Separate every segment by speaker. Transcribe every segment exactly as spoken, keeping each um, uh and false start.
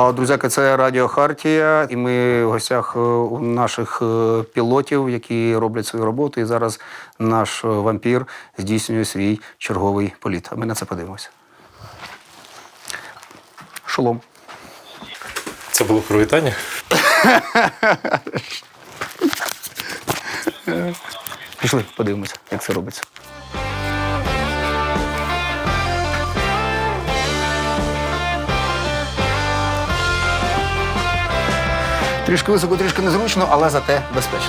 Speaker 1: А, друзяки, це Радіо Хартія, і ми в гостях у наших пілотів, які роблять свою роботу, і зараз наш вампір здійснює свій черговий політ. А ми на це подивимося. Шолом.
Speaker 2: Це було привітання?
Speaker 1: Пішли, подивимося, як це робиться. Трішки високо, трішки незручно, але зате безпечно.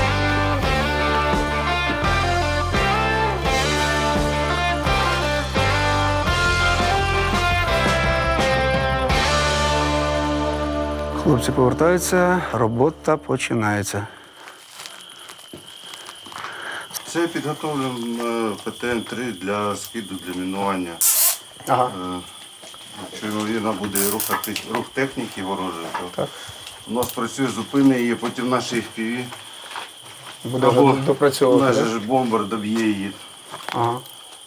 Speaker 1: Хлопці повертаються, робота починається.
Speaker 3: Це підготовлюємо Пе Те Ем три для скиду, для мінування.
Speaker 1: Ага.
Speaker 3: Якщо, ймовірно, буде рух, рух техніки ворожої, то
Speaker 1: Так.
Speaker 3: у нас працює, зупини її, потім наші Еф Пі Ві.
Speaker 1: Буде
Speaker 3: Або
Speaker 1: вже допрацьовувати.
Speaker 3: наш
Speaker 1: так?
Speaker 3: же бомбер доб'є її.
Speaker 1: Ага.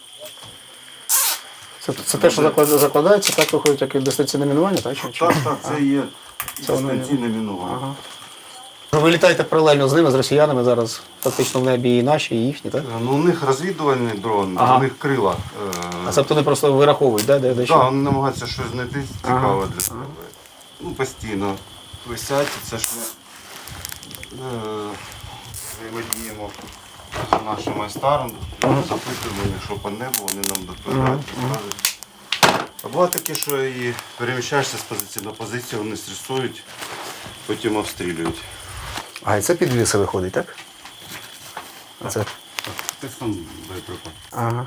Speaker 1: Це, це те, що заклад- закладається, так виходить, як і дистанційне мінування, так? Чи, чи?
Speaker 3: Так, так, це є
Speaker 1: Це воно є.
Speaker 3: дистанційне мінування.
Speaker 1: Ага. Ви літаєте паралельно з ними, з росіянами зараз фактично в небі і наші, і їхні, так?
Speaker 3: Ну, у них розвідувальний дрон,
Speaker 1: Ага.
Speaker 3: у них крила.
Speaker 1: А тобто вони просто вираховують, да, де, де
Speaker 3: Так,
Speaker 1: що?
Speaker 3: вони намагаються щось знайти цікаве
Speaker 1: Ага.
Speaker 3: для себе. Ну, постійно висять, це ж ми е, взаємодіємо з нашим майстером, запитуємо, якщо по небу, вони нам доповідають, підказують. А буває таке, що і переміщаєшся з позиції на позицію, вони стресують, потім обстрілюють.
Speaker 1: А, і це підвіси виходить, так? А це?
Speaker 3: Це сам боєприпас.
Speaker 1: Ага.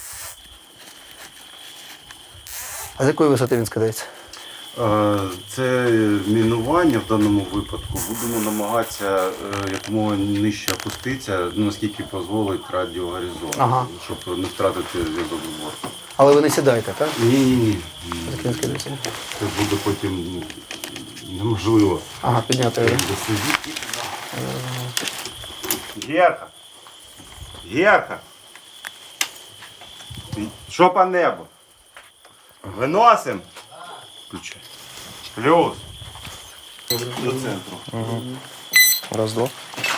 Speaker 1: А з якої висоти він скидається?
Speaker 3: Е, Це мінування в даному випадку. Будемо намагатися е, якомога нижче опуститися, наскільки дозволить радіогоризонт,
Speaker 1: Ага.
Speaker 3: щоб не втратити зв'язок з бортом.
Speaker 1: Але ви не сідаєте, так?
Speaker 3: Ні, ні, ні.
Speaker 1: Так він скидається.
Speaker 3: Це буде потім неможливо.
Speaker 1: Ага, підняти його.
Speaker 3: Досидіти. Герка! Герка! Що по небу? Виносимо? Включай. Плюс. До центру.
Speaker 2: Угу. Раз, два.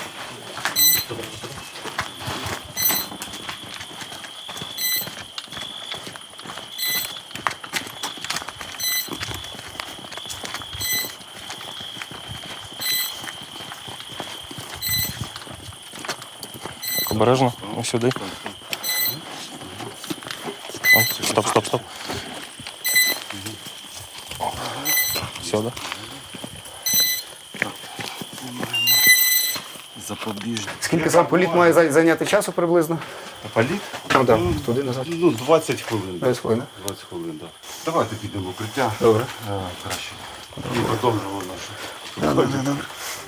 Speaker 2: Так, обережно. Ось сюди. О, стоп, стоп, стоп. Сюди.
Speaker 3: Запобіжник.
Speaker 1: Скільки сам політ має зай- зайняти часу приблизно?
Speaker 3: Політ?
Speaker 1: Ну, так, туди назад.
Speaker 3: Ну, двадцять хвилин.
Speaker 1: двадцять хвилин.
Speaker 3: двадцять хвилин, так. Давайте підемо в укриття.
Speaker 1: Добре.
Speaker 3: А, краще. І продовжимо нашу.
Speaker 1: Добре, добре.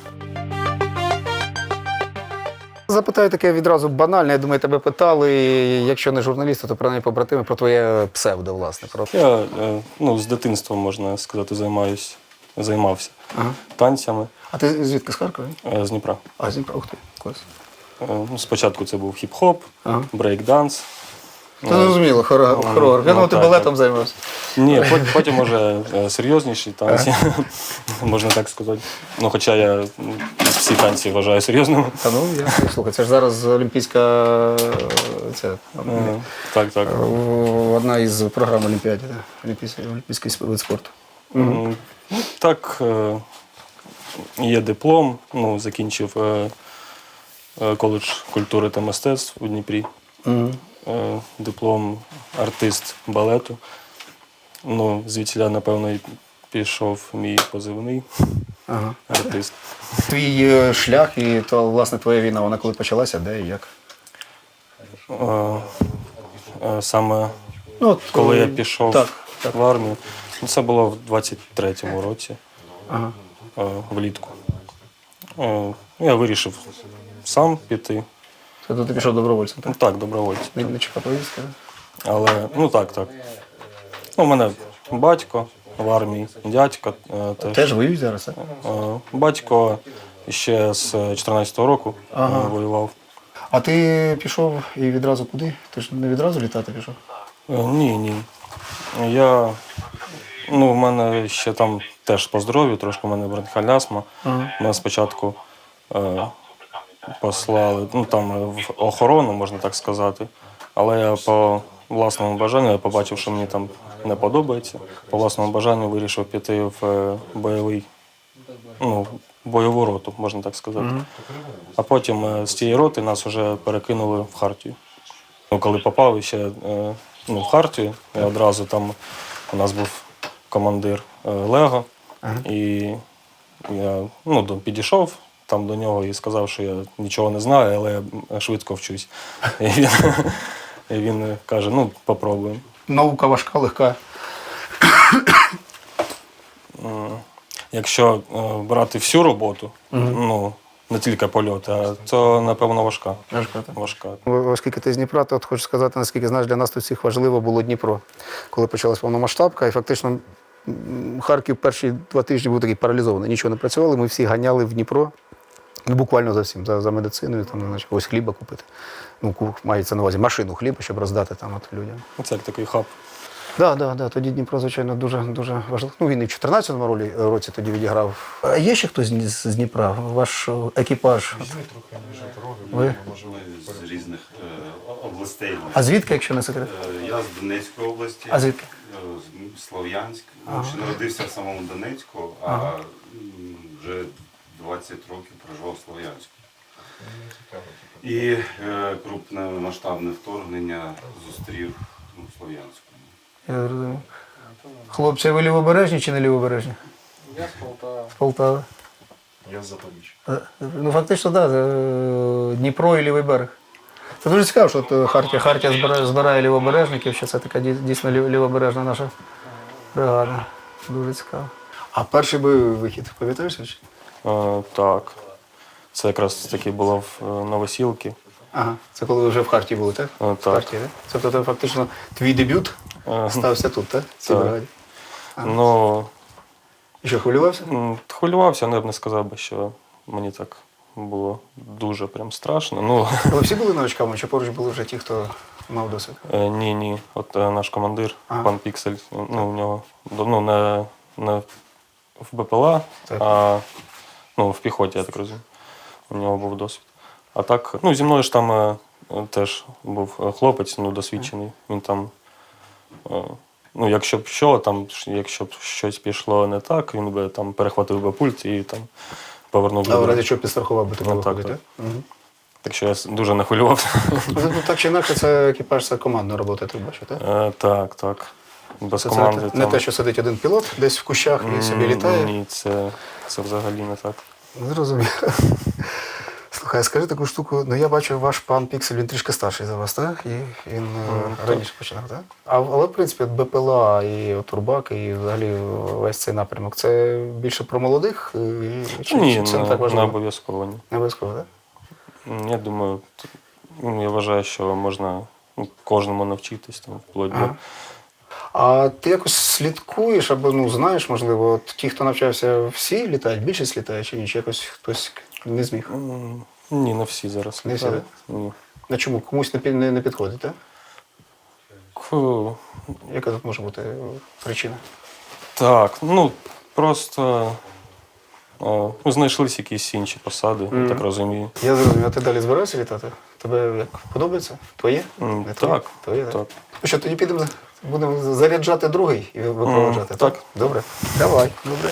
Speaker 1: Запитаю таке відразу банальне, я думаю, тебе питали, якщо не журналісти, то принаймні побратими про твоє псевдо, власне. Про...
Speaker 2: Я е, ну, з дитинства, можна сказати, займаюсь, займався
Speaker 1: Ага.
Speaker 2: танцями
Speaker 1: А ти звідки, з Харкова?
Speaker 2: е, з Дніпра.
Speaker 1: А, з Дніпра, ух ти, клас.
Speaker 2: Е, ну, спочатку це був хіп-хоп,
Speaker 1: Ага.
Speaker 2: брейк-данс.
Speaker 1: Це зрозуміло, хорор. Я
Speaker 2: ну,
Speaker 1: думав, ти
Speaker 2: так,
Speaker 1: балетом займався.
Speaker 2: Ні, пот- потім вже е, серйозніші танці, можна так сказати. Ну, хоча я м, всі танці вважаю серйозними.
Speaker 1: Та ну, я слухай, це ж зараз олімпійська, це,
Speaker 2: Е, Так, так.
Speaker 1: одна із програм Олімпіади, да, олімпійський, олімпійський вид спорту.
Speaker 2: М, ну, Так, е, є диплом, ну, закінчив е, е, коледж культури та мистецтв у Дніпрі.
Speaker 1: Угу.
Speaker 2: Е, Диплом артист балету. Ну, звідсіля, напевно, і пішов мій позивний
Speaker 1: Ага.
Speaker 2: артист.
Speaker 1: Твій е, шлях і то, власне, твоя війна, вона коли почалася, де і як?
Speaker 2: Е, е, Саме
Speaker 1: Ну, от,
Speaker 2: коли
Speaker 1: е,
Speaker 2: я пішов
Speaker 1: так, так.
Speaker 2: в армію, ну, це було в двадцять третьому році,
Speaker 1: Ага.
Speaker 2: е, влітку. Е, Я вирішив сам піти.
Speaker 1: Це ти пішов добровольцем,
Speaker 2: Ну
Speaker 1: так?
Speaker 2: так, добровольцем.
Speaker 1: Не, не чекав повістки, так?
Speaker 2: Але, ну так, так. Ну, у мене батько в армії, дядько е, теж.
Speaker 1: Теж воюють зараз, так?
Speaker 2: Е, Батько ще з чотирнадцятого року е,
Speaker 1: Ага.
Speaker 2: воював.
Speaker 1: А ти пішов і відразу куди? Ти ж не відразу літати пішов?
Speaker 2: Е, Ні, ні. Я Ну, в мене ще там теж по здоров'ю, трошки в мене бронхіальна астма. Мене спочатку е, послали ну, там, в охорону, можна так сказати. Але я по власному бажанню, я побачив, що мені там не подобається. По власному бажанню вирішив піти в е, бойовий, ну, бойову роту, можна так сказати. А потім е, з тієї роти нас вже перекинули в Хартію. Ну, коли попав ще е, ну, в Хартію, я одразу там у нас був командир е, Лего, і я ну, до- підійшов там до нього і сказав, що я нічого не знаю, але я швидко вчусь. І він, і він каже, ну, попробуємо.
Speaker 1: Наука важка, легка.
Speaker 2: Якщо е, брати всю роботу, ну, не тільки польоти, а то, напевно, важка.
Speaker 1: Важка, так.
Speaker 2: Важка.
Speaker 1: Оскільки ти з Дніпра, то от хочу сказати, наскільки знаєш, для нас тут всіх важливо було Дніпро. Коли почалась повномасштабка, і фактично м, Харків перші два тижні був такий паралізований. Нічого не працювали, ми всі ганяли в Дніпро. Ну, буквально за всім, за, за медициною, там, значить, ось хліба купити. Ну, ку- мається на увазі машину хліба, щоб роздати там от людям.
Speaker 2: Це як такий хаб.
Speaker 1: Так, да, да, тоді Дніпро, звичайно, дуже, дуже важливо. Ну, він і в чотирнадцятому ролі- році тоді відіграв. А є ще хтось з з Дніпра? Ваш о, екіпаж? Ви?
Speaker 4: З різних е, областей.
Speaker 1: А звідки, якщо не секрет?
Speaker 4: Е, Я з Донецької області,
Speaker 1: А звідки?
Speaker 4: е, з Слов'янськ. Ну, ще народився в самому Донецьку, а м, вже двадцять років проживав в Слов'янську. І е, крупне масштабне вторгнення зустрів ну, в Слов'янську.
Speaker 1: Я зрозумів. Хлопці, ви лівобережні чи не лівобережні?
Speaker 5: Я з Полтави.
Speaker 1: З Полтави.
Speaker 5: Я з Запоріжжя.
Speaker 1: Е, Ну, фактично, так. Да, Дніпро і лівий берег. Це дуже цікаво, що от е, Хартія, Хартія збирає, збирає лівобережників, що це така дій- дійсно лів- лівобережна наша бригада. Дуже цікаво. А перший бойовий вихід, пам'ятаєш? чи?
Speaker 2: Е, так. Це якраз таки було в е, Новосілки.
Speaker 1: Ага. Це коли ви вже в Хартії були, так?
Speaker 2: Е,
Speaker 1: В
Speaker 2: так.
Speaker 1: Хартії, так? Тобто це фактично твій дебют
Speaker 2: Е,
Speaker 1: стався тут, так? В цій
Speaker 2: Так.
Speaker 1: бригаді.
Speaker 2: Ну,
Speaker 1: І що, хвилювався?
Speaker 2: м, хвилювався, але я б не сказав би, що мені так було дуже прям страшно. Ну,
Speaker 1: Ви всі були новачками, чи поруч були вже ті, хто мав досвід?
Speaker 2: е, ні, ні. От е, наш командир,
Speaker 1: Ага.
Speaker 2: пан Піксель, ну, у нього ну, не, не в БПЛА,
Speaker 1: Так.
Speaker 2: а ну, в піхоті, я так розумію. У нього був досвід. А так, ну, зі мною ж там е, теж був е, хлопець, ну, досвідчений. Він там, е, ну, якщо б що, там, ш- якщо б щось пішло не так, він би там перехватив би пульт і там повернув би.
Speaker 1: А в
Speaker 2: дорогу.
Speaker 1: разі чого підстрахував би тебе
Speaker 2: Ну, так,
Speaker 1: виходить, так? Мгм.
Speaker 2: Так що я с- дуже не хвилювався.
Speaker 1: Ну, так чи інакше, це екіпаж, це командна робота, ти бачиш, так?
Speaker 2: Е, Так, так. Без
Speaker 1: Це,
Speaker 2: команди.
Speaker 1: це не те, що сидить один пілот десь в кущах і собі
Speaker 2: М,
Speaker 1: літає.
Speaker 2: Ні, це, це взагалі не так.
Speaker 1: Зрозумів. Слухай, скажи таку штуку, ну я бачу, ваш пан Піксель, він трішки старший за вас, так? І він е, раніше починав, так? А, але, в принципі, от БПЛА і от Турбак, і взагалі весь цей напрямок, це більше про молодих? І, чи,
Speaker 2: Ні,
Speaker 1: чи це не
Speaker 2: не,
Speaker 1: так
Speaker 2: не
Speaker 1: важливо?
Speaker 2: обов'язково ні.
Speaker 1: Не обов'язково, так?
Speaker 2: М, Я думаю, т- ну, я вважаю, що можна ну, кожному навчитись там, вплоть до.
Speaker 1: Ага. А ти якось слідкуєш або ну, знаєш, можливо, от ті, хто навчався, всі літають, більшість літає чи ні? Чи якось хтось не зміг?
Speaker 2: М, Ні, не всі зараз
Speaker 1: Не всі,
Speaker 2: літають. Ні.
Speaker 1: На чому? Комусь не, пі- не, не підходить, так?
Speaker 2: Фу,
Speaker 1: Яка тут може бути е, причина?
Speaker 2: Так, ну просто о, ну, знайшлись якісь інші посади, я так розумію.
Speaker 1: Я зрозумів, а ти далі збираєшся літати? Тебе як подобається? Твоє?
Speaker 2: М,
Speaker 1: Не твоє?
Speaker 2: Так,
Speaker 1: Твоє, так?
Speaker 2: так.
Speaker 1: Ну що, тоді підемо, за- будемо заряджати другий і випроводжати,
Speaker 2: М,
Speaker 1: так?
Speaker 2: так.
Speaker 1: Добре? Давай, добре.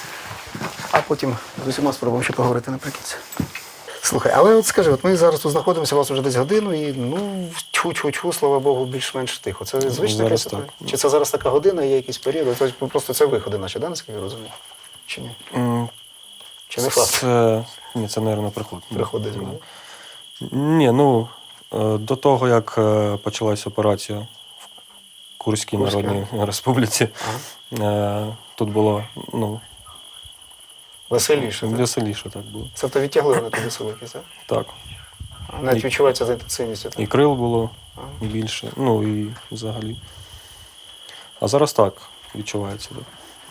Speaker 1: А потім з усіма спробуємо ще поговорити наприкінці. Слухай, але от скажи, от ми зараз тут знаходимося, у вас вже десь годину, і ну, тьфу-тьфу-тьфу, слава Богу, більш-менш тихо. Це звична
Speaker 2: Зараз
Speaker 1: якась
Speaker 2: так.
Speaker 1: ситуація? Чи це зараз така година, є якийсь період? Тобто просто це виходи наші, да, наскільки я розумію? Чи ні?
Speaker 2: М,
Speaker 1: Чи не факт?
Speaker 2: Це, ні, це, мабуть, приход.
Speaker 1: Приходить.
Speaker 2: Да.
Speaker 1: ну.
Speaker 2: Ні, ну е, до того, як е, почалась операція в Курській
Speaker 1: Курська.
Speaker 2: Народній Республіці, е, тут було ну,
Speaker 1: Веселіше, так?
Speaker 2: веселіше так було.
Speaker 1: Тобто відтягли вони туди силики, так?
Speaker 2: Так.
Speaker 1: Навіть
Speaker 2: І-
Speaker 1: відчувається за інтенсивністю, так?
Speaker 2: І крил було більше, ну і взагалі. А зараз так відчувається. Так.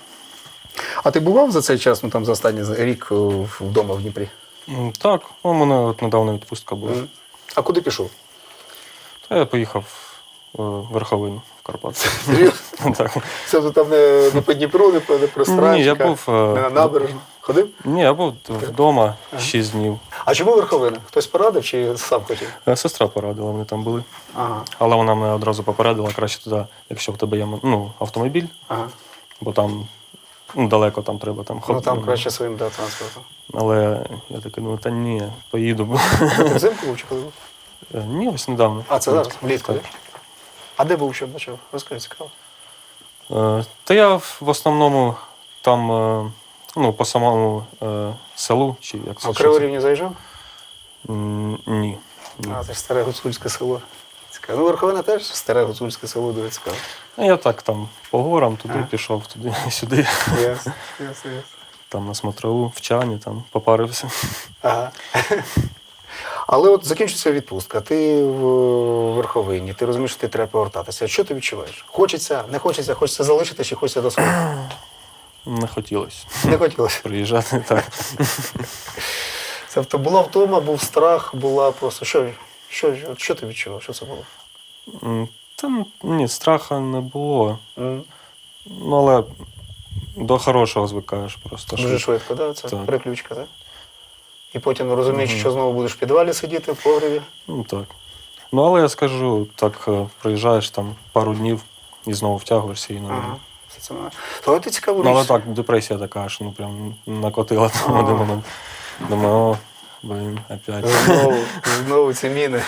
Speaker 1: А ти бував за цей час, ну там за останній рік о, вдома в Дніпрі?
Speaker 2: М, Так, у мене от недавно відпустка була.
Speaker 1: Мгм. А куди пішов?
Speaker 2: Та я поїхав верховину в Карпатах.
Speaker 6: Серйозно?
Speaker 2: Так.
Speaker 6: Це вже там не, не по Дніпру, не по, не про
Speaker 2: Ні, я
Speaker 6: Странчика,
Speaker 2: був, е,
Speaker 6: не на набережну. Ходив?
Speaker 2: Ні, я був вдома шість днів.
Speaker 6: А чому верховина? Хтось порадив чи сам хотів?
Speaker 2: Е, Сестра порадила, вони там були.
Speaker 6: Ага,
Speaker 2: Але вона мене одразу попередила, краще туди, якщо в тебе є ну, автомобіль,
Speaker 6: ага.
Speaker 2: бо там ну, далеко там треба там
Speaker 6: Ну
Speaker 2: ходити.
Speaker 6: там краще своїм да, транспортом.
Speaker 2: Але я такий, ну та ні, поїду.
Speaker 6: Ти взимку був чи коли був?
Speaker 2: Е, Ні, ось недавно.
Speaker 6: А, це зараз, влітку,
Speaker 2: Так.
Speaker 6: так? А де був, що бачив? Розкажи, цікаво.
Speaker 2: Е, Та я в в основному там, е, ну, по самому е, селу, чи як
Speaker 6: А
Speaker 2: це?
Speaker 6: в
Speaker 2: що це?
Speaker 6: Криворівні заїжджав?
Speaker 2: М, Ні. ні.
Speaker 6: А, це ж старе гуцульське село. Цікаво. Ну, Верховина теж старе гуцульське село, дуже цікаво.
Speaker 2: А я так там по горам, туди
Speaker 6: Ага.
Speaker 2: пішов, туди, сюди.
Speaker 6: Ясно, ясно, ясно.
Speaker 2: Там на смотрову, в чані, там попарився.
Speaker 6: Ага. Але от закінчиться відпустка, ти в Верховині, ти розумієш, що ти треба повертатися. Що ти відчуваєш? Хочеться, не хочеться, хочеться залишити чи хочеться до свого?
Speaker 2: Не хотілося
Speaker 6: Не хотілося.
Speaker 2: приїжджати. Так.
Speaker 6: Тобто була втома, був страх, була просто. Що, що, от що ти відчував? Що це було?
Speaker 2: М, Та ні, страха не було.
Speaker 6: М?
Speaker 2: Ну, але до хорошого звикаєш просто.
Speaker 6: Дуже швидко, да? Це
Speaker 2: Так.
Speaker 6: переключка, так? І потім розумієш, що знову будеш в підвалі сидіти, в погребі.
Speaker 2: Ну так. Ну, але я скажу, так е, приїжджаєш там пару днів і знову втягуєшся і нормально.
Speaker 6: Ага. Все це нормально. То ти цікаво
Speaker 2: Ну, але
Speaker 6: річ.
Speaker 2: так, депресія така аж, ну прям накотила там в один момент. Думаю, о, блін, опять.
Speaker 6: Знову, знову ці міни.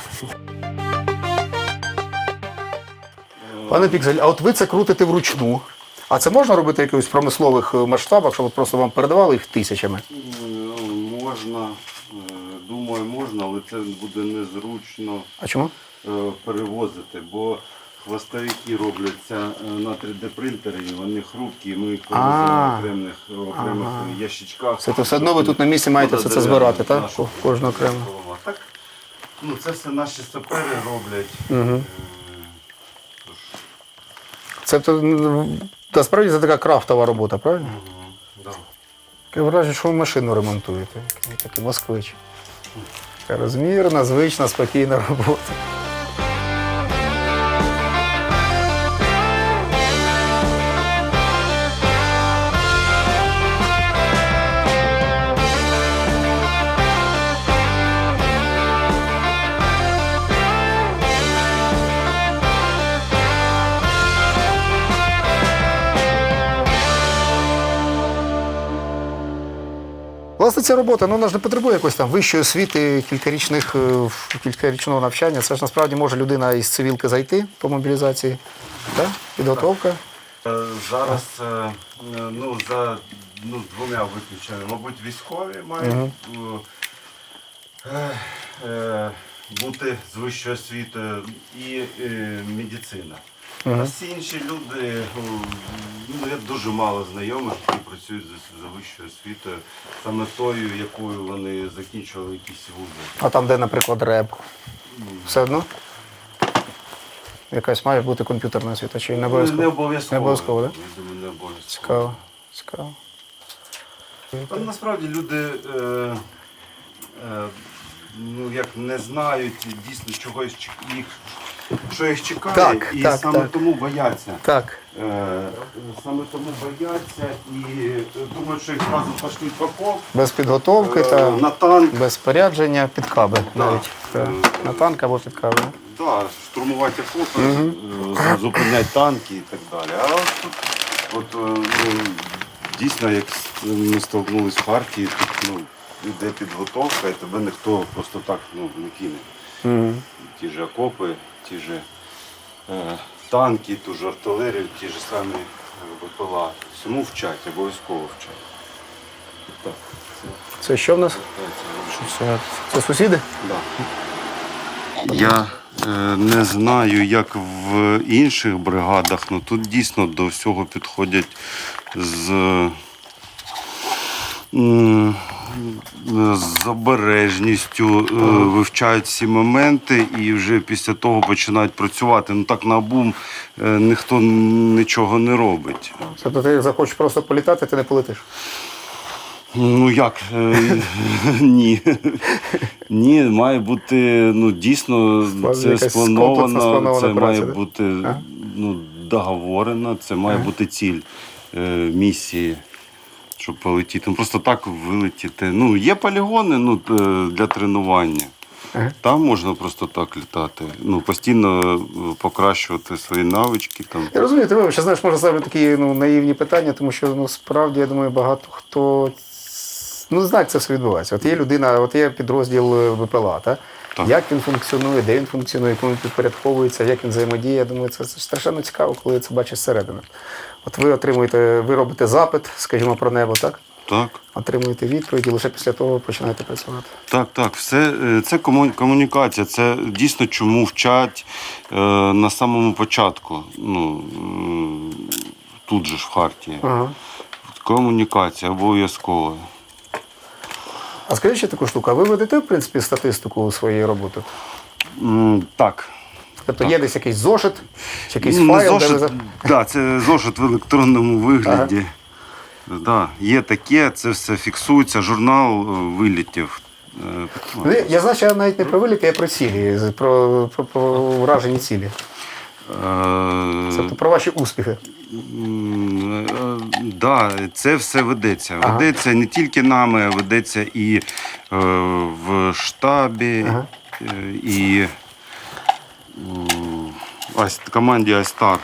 Speaker 6: Пане Піксель, а от ви це крутите вручну. А це можна робити в якихось промислових е, масштабах, щоб от просто вам передавали їх тисячами?
Speaker 3: Ну, можна, е, думаю, можна, але це буде незручно
Speaker 6: А чому?
Speaker 3: е, перевозити, бо хвостовики робляться е, на три де принтері, вони хрупкі, ми їх перевозимо
Speaker 6: А.
Speaker 3: в окремих, окремих ящичках.
Speaker 6: Це то все одно ви тут на місці маєте все це збирати, так? Кожну окремо.
Speaker 3: Так, ну, це все наші сапери роблять.
Speaker 6: Угу.
Speaker 3: Е, тож,
Speaker 6: Це то, ну, насправді це така крафтова робота, правильно?
Speaker 3: мгм, да.
Speaker 6: Таке враження, що ви машину ремонтуєте. Такий- Такий москвич. Така розмірна, звична, спокійна робота. Власне, ця робота, ну, вона ж не потребує якоїсь там вищої освіти, кількарічних, е, кількарічного навчання. Це ж насправді може людина із цивілки зайти по мобілізації. Так? Підготовка.
Speaker 3: Е, Зараз е, ну, за ну, двома виключеннями, мабуть, військові мають е, е, бути з вищою освітою і е, медицина. А всі інші люди, е, ну, я дуже мало знайомих, які працюють за, за вищою освітою, саме тою, якою вони закінчували якісь вузи.
Speaker 6: А там, де, наприклад, реп. Все одно? Якась має бути комп'ютерна освіта, чи не
Speaker 3: Не
Speaker 6: обов'язково?
Speaker 3: обов'язково.
Speaker 6: Не обов'язково, так?
Speaker 3: Я думаю, не обов'язково.
Speaker 6: Цікаво. Цікаво.
Speaker 3: Там насправді люди е, е, ну, як не знають дійсно чогось чек- їх, що їх чекає,
Speaker 6: Так,
Speaker 3: і
Speaker 6: так,
Speaker 3: саме
Speaker 6: так.
Speaker 3: тому бояться.
Speaker 6: Так.
Speaker 3: Е, саме тому бояться і е, думають, що їх одразу пошлють в окоп,
Speaker 6: Без підготовки
Speaker 3: е,
Speaker 6: та
Speaker 3: на танк.
Speaker 6: без спорядження, під каби навіть.
Speaker 3: Да.
Speaker 6: Так. На танк або під каби.
Speaker 3: Да, штурмувати окопи, е, зупиняти танки і так далі. А от тут от, е, ну, дійсно, як ми столкнулися в Харкові, тут ну, йде підготовка і тебе ніхто просто так ну, не кине.
Speaker 6: Угу.
Speaker 3: Ті ж окопи, ті ж е, танки, ту ж артилерію, ті ж самі е, БПЛА. Всьому вчать, обов'язково вчать. Так, це,
Speaker 6: Це що в нас?
Speaker 3: це, це,
Speaker 6: Це сусіди?
Speaker 3: Да. Я е, не знаю, як в інших бригадах, але тут дійсно до всього підходять з, м, з обережністю, е, вивчають всі моменти і вже після того починають працювати. Ну так наобум е, ніхто нічого не робить.
Speaker 6: Тобто ти захочеш просто політати, ти не полетиш.
Speaker 4: Ну як? Е, Ні. Ні, має бути, ну дійсно,
Speaker 6: Справді
Speaker 4: це
Speaker 6: якась комплексна
Speaker 4: сплановано,
Speaker 6: спланована
Speaker 4: це
Speaker 6: праця,
Speaker 4: має
Speaker 6: да?
Speaker 4: бути
Speaker 6: Ага.
Speaker 4: ну, договорено, це має бути ціль е, місії, щоб полетіти. Ну, просто так вилетіти. Ну, є полігони ну, е, для тренування.
Speaker 6: Ага.
Speaker 4: Там можна просто так літати. Ну, постійно е, покращувати свої навички. Там.
Speaker 6: Я розумію, ти вибач, знаєш, може ставити такі ну, наївні питання, тому що ну, справді, я думаю, багато хто ну, не знає, як це все відбувається. От є людина, от є підрозділ ВПЛА, та?
Speaker 4: Так.
Speaker 6: Як він функціонує, де він функціонує, кому він підпорядковується, як він взаємодіє. Я думаю, це, це страшенно цікаво, коли це бачиш зсередини. От ви отримуєте, ви робите запит, скажімо, про небо, так?
Speaker 4: Так.
Speaker 6: Отримуєте відповідь і лише після того починаєте працювати.
Speaker 4: Так, так, все е, це кому- комунікація. Це дійсно чому вчать е, на самому початку. Ну, е, тут же ж в Хартії.
Speaker 6: Ага.
Speaker 4: Комунікація обов'язкова.
Speaker 6: А скажіть ще таку штуку, а ви ведете, в принципі, статистику своєї роботи?
Speaker 4: М, Так.
Speaker 6: Тобто є десь якийсь зошит, чи якийсь
Speaker 4: Ну, не
Speaker 6: файл, де
Speaker 4: зошит,
Speaker 6: ви... за-
Speaker 4: да, це зошит в електронному вигляді. Да, є таке, це все фіксується, журнал е, вилітів. Е,
Speaker 6: Ну, я- Я знаю, що я навіть не про виліти, а про цілі, з- про, про, про вражені цілі.
Speaker 4: е,
Speaker 6: Тобто про ваші успіхи.
Speaker 4: М, е, Да, це все ведеться. Ведеться не тільки нами, а ведеться і е, в штабі,
Speaker 6: Ага.
Speaker 4: е, і м, ось команді Айстар.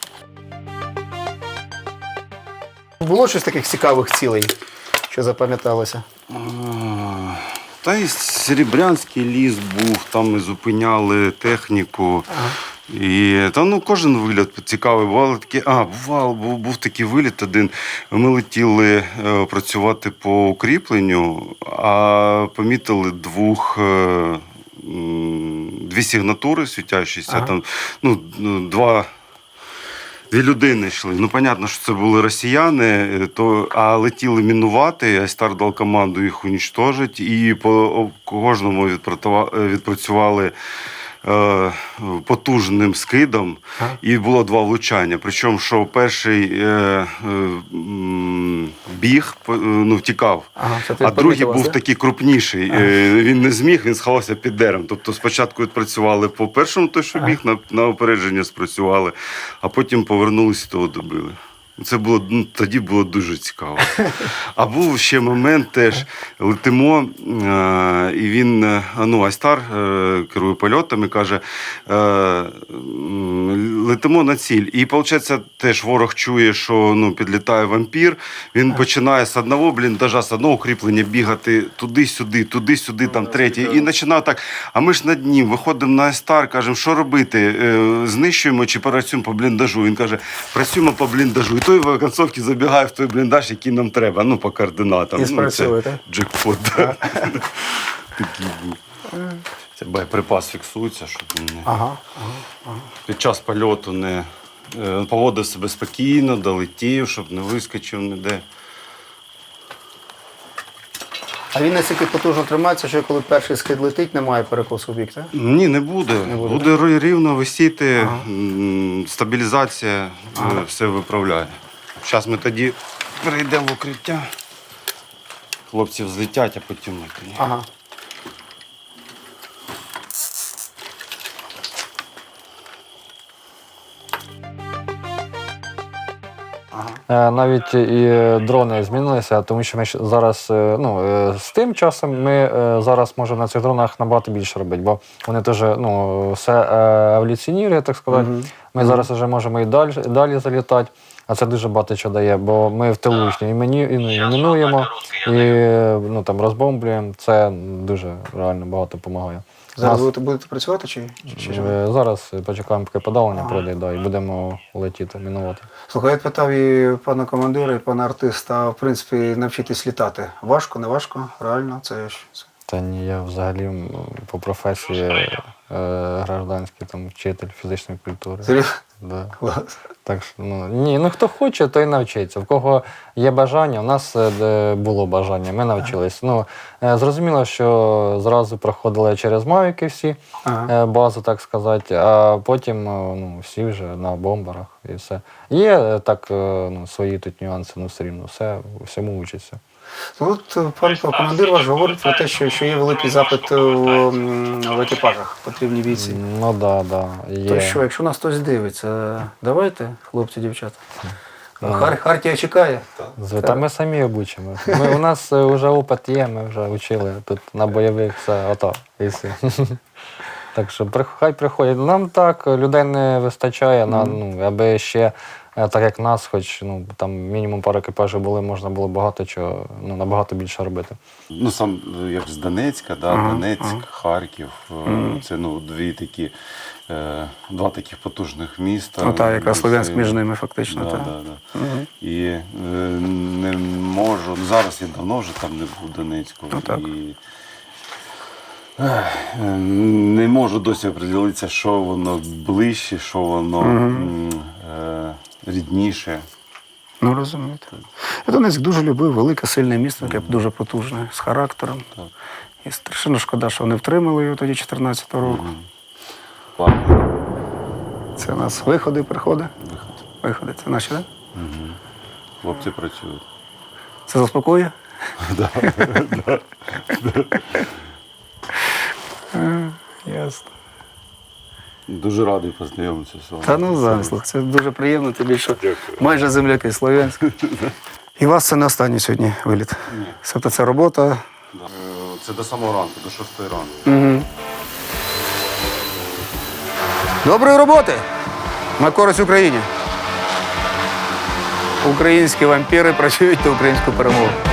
Speaker 6: Було щось таких цікавих цілей, що запам'яталося?
Speaker 4: Е, Та і Серебрянський ліс був, там ми зупиняли техніку. І та ну кожен виліт цікавий. Бували такі, а, бував, був, був такий виліт один. Ми летіли е, працювати по укріпленню, а помітили двох. Е, м, Дві сигнатури світящіся,
Speaker 6: Ага.
Speaker 4: там ну, ну, два. Дві людини йшли. Ну, понятно, що це були росіяни, то, а летіли мінувати, Айстар дав команду їх унічтожити, і по кожному відпрацюва- відпрацювали е, потужним скидом,
Speaker 6: Ага.
Speaker 4: і було два влучання. Причому, що перший е, е, м, біг, по- ну, втікав,
Speaker 6: Ага, що ти
Speaker 4: а другий
Speaker 6: помітив,
Speaker 4: був
Speaker 6: да?
Speaker 4: такий крупніший. Е, Він не зміг, він сховався під деревом. Тобто спочатку відпрацювали по першому, той, що біг, на, на опередження спрацювали, а потім повернулися і того добили. Це було, ну, тоді було дуже цікаво. А був ще момент теж. Летимо, е, і він, е, ну, Айстар е, керує польотами, каже, е, м, летимо на ціль. І, виходить, теж ворог чує, що ну, підлітає вампір, він починає з одного бліндажа, з одного укріплення бігати туди-сюди, туди-сюди, там третє. І починає так, а ми ж над ним виходимо на Айстар, кажемо, що робити, Е, знищуємо чи працюємо по бліндажу. Він каже, працюємо по бліндажу. І той в концовці забігає в той бліндаж, який нам треба, ну, по координатам.
Speaker 6: І спрацьовує,
Speaker 4: ну,
Speaker 6: так?
Speaker 4: це джекпот. Да. Такий був. Це боєприпас фіксується, щоб він не...
Speaker 6: Ага.
Speaker 4: під час польоту не е, поводив себе спокійно, долетів, щоб не вискочив ніде.
Speaker 6: А він настільки потужно тримається, що коли перший скид летить, немає перекосу в бік, так?
Speaker 4: Ні, не буде.
Speaker 6: Не буде,
Speaker 4: буде ри- рівно висіти, м, стабілізація е, все виправляє. Зараз ми тоді перейдемо в укриття. Хлопці взлетять, а потім ми тоді.
Speaker 6: Ага.
Speaker 5: Е, Навіть і дрони змінилися, тому що ми ж зараз е, ну, е, з тим часом ми е, зараз можемо на цих дронах набагато більше робити, бо вони теж ну, все е, еволюціонує, так сказати. Ми зараз вже можемо і далі, далі залітати, а це дуже багато чого дає, бо ми в тилу і мені і, ну, і мінуємо, і ну, там, розбомблюємо. Це дуже реально багато допомагає.
Speaker 6: Зараз
Speaker 5: Нас-
Speaker 6: будете, будете працювати чи, чи, чи?
Speaker 5: Е, Зараз почекаємо, поки подавлення пройде, да, і будемо летіти, мінувати.
Speaker 6: Слухай, я питав і пана командира, і пана артиста, в принципі, навчитись літати. Важко, не важко? Реально? Це ж... це-
Speaker 5: Та ні, я взагалі м, по професії е, гражданський там, вчитель фізичної культури.
Speaker 6: Серйозно?
Speaker 5: Да.
Speaker 6: Клас.
Speaker 5: Так що, ну, ні, ну хто хоче, той навчиться. В кого є бажання, у нас е, де було бажання, ми навчились. Ну, е, зрозуміло, що зразу проходили через мавіки всі,
Speaker 6: Ага.
Speaker 5: е, базу, так сказати, а потім е, ну, всі вже на бомбарах і все. Є е, так, е, ну, свої тут нюанси, ну все рівно, все, всьому учиться.
Speaker 6: От е, пан командир ваш говорить про те, що, що є великий запит е, м, в екіпажах, потрібні бійці.
Speaker 5: Ну да, да. Є.
Speaker 6: То що, якщо нас хтось дивиться, давайте, хлопці, дівчата. Хар, Хартія чекає.
Speaker 5: З- Та ми самі обучимо. Ми, у нас е, вже опит є, ми вже вчили тут на бойових все ото. І все. Так що прих- хай приходять. Нам так людей не вистачає, на, ну, аби ще, е, так як нас, хоч ну, там мінімум пару екіпажів були, можна було багато чого, ну, набагато більше робити.
Speaker 4: Ну, сам е, як з Донецька, да, Донецьк, Харків. е, Це ну, дві такі, е, два таких потужних міста.
Speaker 6: Ну так, якраз
Speaker 4: Це-
Speaker 6: Слов'янськ між ними фактично.
Speaker 4: Да,
Speaker 6: так.
Speaker 4: да, да. І е, не можу, ну, зараз я давно вже там не був в Донецьку.
Speaker 6: Ну, так.
Speaker 4: І, ех, е, не можу досі оприділитися, що воно ближче, що воно м, е, рідніше.
Speaker 6: Ну, розумієте. Я Донецьк дуже любив, велике, сильне місто, яке дуже потужне, з характером. І страшенно шкода, що вони втримали його тоді чотирнадцятого року.
Speaker 4: Ладно,
Speaker 6: Це у нас виходи, приходи.
Speaker 4: виход.
Speaker 6: Виходи. Це наші, так?
Speaker 4: Хлопці працюють.
Speaker 6: Це заспокоює? Е, Ясно.
Speaker 4: Дуже радий познайомитися з вами.
Speaker 6: Та ну замислах. Це дуже приємно, тобі що майже земляки Слов'янськ. І у вас це не останній сьогодні виліт. Тобто це робота.
Speaker 4: Да. Е, Це до самого ранку, до шостої ранку.
Speaker 6: Доброї роботи! На користь Україні! Українські вампіри працюють на українську перемогу.